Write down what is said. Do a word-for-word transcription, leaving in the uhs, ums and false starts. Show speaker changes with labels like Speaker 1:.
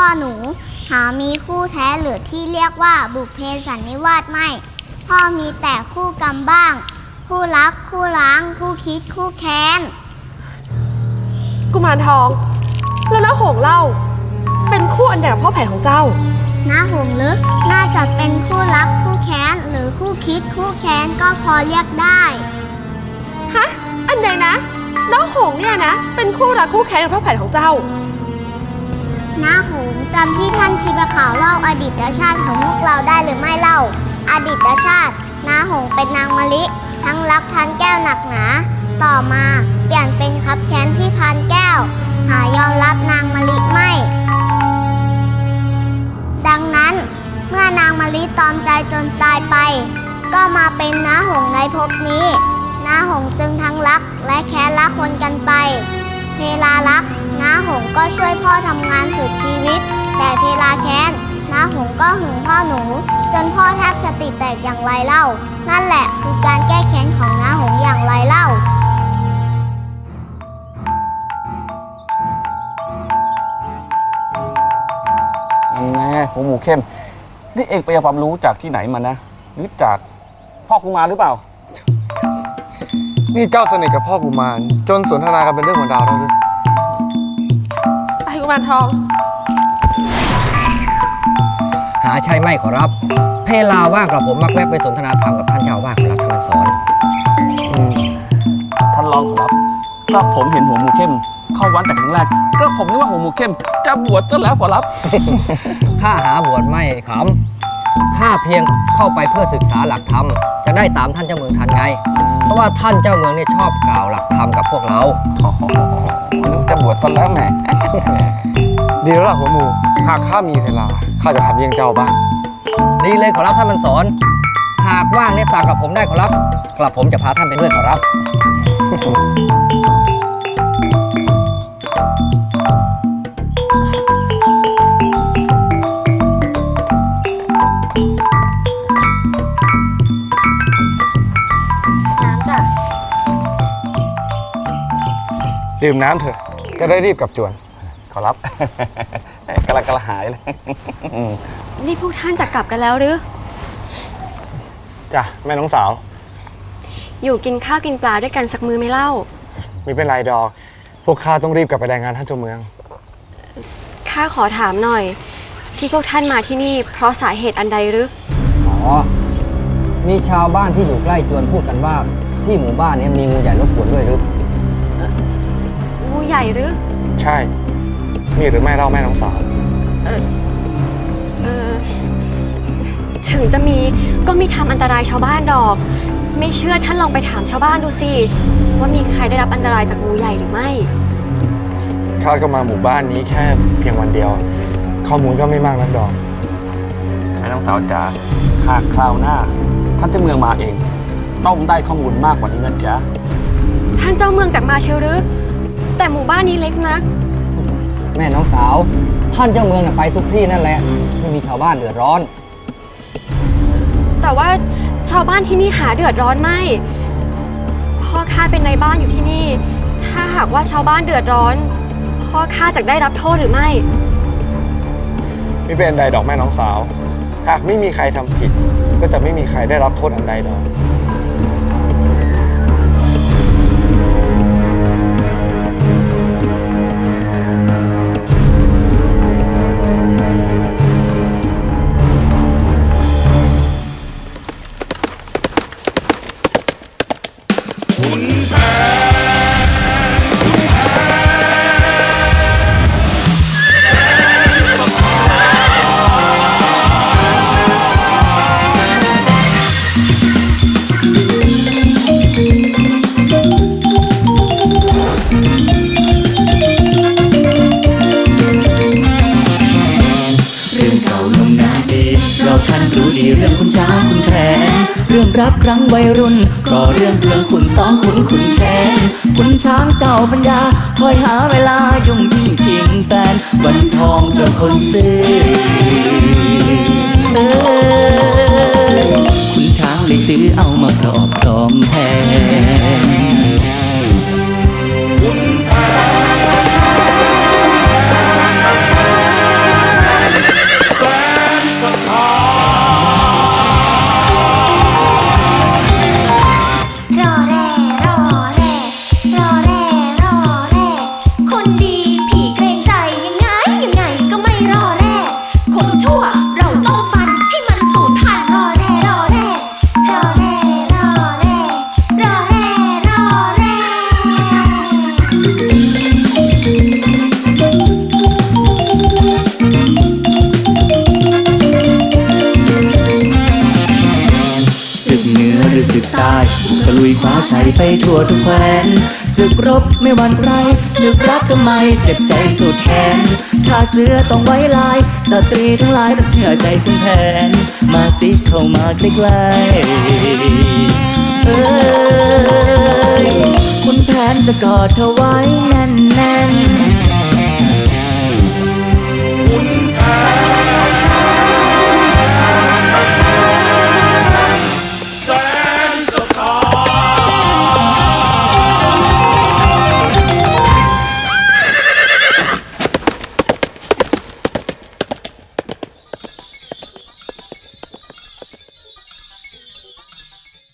Speaker 1: พ่อหนูหามีคู่แท้หรือที่เรียกว่าบุพเพสันนิวาสไม่พ่อมีแต่คู่กรรมบ้างคู่รักคู่ล้างคู่คิดคู่แค้น
Speaker 2: กุมารทองแล้วน้าหงเล่าเป็นคู่อันใดกับพ่อแผนของเจ้า
Speaker 1: น้าหงลึกน่าจะเป็นคู่รักคู่แค้นหรือคู่คิดคู่แค้นก็พอเรียกได้
Speaker 2: ฮะอันใดนะน้าหงเนี่ยนะเป็นคู่รักคู่แค้นกับพ่อแผนของเจ้า
Speaker 1: น้าหงจำที่ท่านชีบะขาวเล่าอดีตชาติของพวกเราได้หรือไม่เล่าอดีตชาติน้าหงเป็นนางมะลิทั้งรักพันแก้วหนักหนาต่อมาเปลี่ยนเป็นคับแค้นที่พันแก้วหายอมรับนางมะลิไม่ดังนั้นเมื่อนางมะลิตอมใจจนตายไปก็มาเป็นน้าหงในภพนี้น้าหงจึงทั้งรักและแค้นละคนกันไปเพลารักน้าหงก็ช่วยพ่อทำงานสุดชีวิตแต่เพลาแค้นน้าหงก็หึงพ่อหนูจนพ่อแทบสติแตกอย่างไรเล่านั่นแหละคือการแก้แค้นของน้าหงอย่างไรเล่า
Speaker 3: แม่หัวหมูเข้มนี่เองไปเอาความรู้จากที่ไหนมานะหรือจากพ่อกุมารหรือเปล่า
Speaker 4: นี่เจ้าสนิทกับพ่อกุมารจนสนทนากันเป็นเรื่องของดาวแล้วหรือ
Speaker 2: ไปกุมารทอง
Speaker 5: หาใช่ไม่ขอรับเพลาว่างกับผมมักแวะไปสนทนาธรรมกับท่านเจ้าว่าขอรับท่านสอน
Speaker 3: ท่านรองขอรับก็ผมเห็นหัวหมูเข้มเข้าวัดแต่ครั้งแรกก็ผมนึกว่าหัวหมูเข้มจะบวชก็แล้วขอรับ
Speaker 5: ข้าหาบวชไม่ขำข้าเพียงเข้าไปเพื่อศึกษาหลักธรรมจะได้ตามท่านเจ้าเมืองทันไงเพราะว่าท่านเจ้าเมืองเนี่ยชอบกล่าวหลักธรรมกับพวกเรา
Speaker 3: นึกจะบวชซะแล้วแหม
Speaker 4: ดีแล้วล่ะหัวหมูหากข้ามีเวลาข้าจะทำเยี่ยงเจ้าบ้าง
Speaker 5: ดีเลยขอรับท่านมันสอนหากว่างเนี่ยสั่งกับผมได้ขอรับกลับผมจะพาท่านไปด้วยขอรับ
Speaker 4: ดื่มน้ำเถอะจะได้รีบกลับจวน
Speaker 3: ขอรับกระกระหายเลย
Speaker 2: นี่พวกท่านจะกลับกันแล้วหรือ
Speaker 4: จ้ะแม่น้องสาว
Speaker 2: อยู่กินข้าวกินปลาด้วยกันสักมื้อไม่เล่า
Speaker 4: ไม่เป็นไรดอกพวกข้าต้องรีบกลับไปรายงานท่านเจ้าเมือง
Speaker 2: ข้าขอถามหน่อยที่พวกท่านมาที่นี่เพราะสาเหตุอันใดหรือ
Speaker 5: อ๋อมีชาวบ้านที่อยู่ใกล้จวนพูดกันว่าที่หมู่บ้านนี้มีงูใหญ่รบกวนด้วยหรือ
Speaker 2: งูใหญ่หรือ
Speaker 4: ใช่มีหรือไม่เล่าแม่น้องสาว
Speaker 2: เออเออถึงจะมีก็มีทำอันตรายชาวบ้านดอกไม่เชื่อท่านลองไปถามชาวบ้านดูสิว่ามีใครได้รับอันตรายจากงูใหญ่หรือไม่
Speaker 4: ข้าก็มาหมู่บ้านนี้แค่เพียงวันเดียวข้อมูลก็ไม่มากนักดอก
Speaker 3: แม่น้องสาวจ๋าหากคราวหน้าท่านเจ้าเมืองมาเองต้องได้ข้อมูลมากกว่านี้นะจ๊ะ
Speaker 2: ท่านเจ้าเมืองจากมาเชลหรือแต่หมู่บ้านนี้เล็กนัก
Speaker 5: แม่น้องสาวท่านเจ้าเมืองไปทุกที่นั่นแหละไม่มีชาวบ้านเดือดร้อน
Speaker 2: แต่ว่าชาวบ้านที่นี่หาเดือดร้อนไม่พ่อข้าเป็นนายบ้านอยู่ที่นี่ถ้าหากว่าชาวบ้านเดือดร้อนพ่อข้าจะได้รับโทษหรือไม่
Speaker 4: ไม่เป็นใดดอกแม่น้องสาวหากไม่มีใครทำผิดก็จะไม่มีใครได้รับโทษอันใดดอก
Speaker 6: รักครั้งวัยรุ่นก็เรื่องเรื่องขุนซ้อมขุนขุนแค้นขุนช้างเจ้าปัญญาคอยหาเวลายุ่งยิ่งชิงแฟนวันทองเจ้าคนซื้อเออขุนช้างเลยตื้อเอามาครอบครองแทนขุนแผนฟ้าใสไปทั่วทุกแคว้นศึกรบไม่หวั่นใครศึกรักก็ไม่เจ็บใจสุดแขนถ้าเสือต้องไว้ลายสตรีทั้งหลายต้องเชื่อใจคุณแผนมาสิเข้ามาใกล้ๆเอ้ยคุณแผนจะกอดเธอไว้แน่น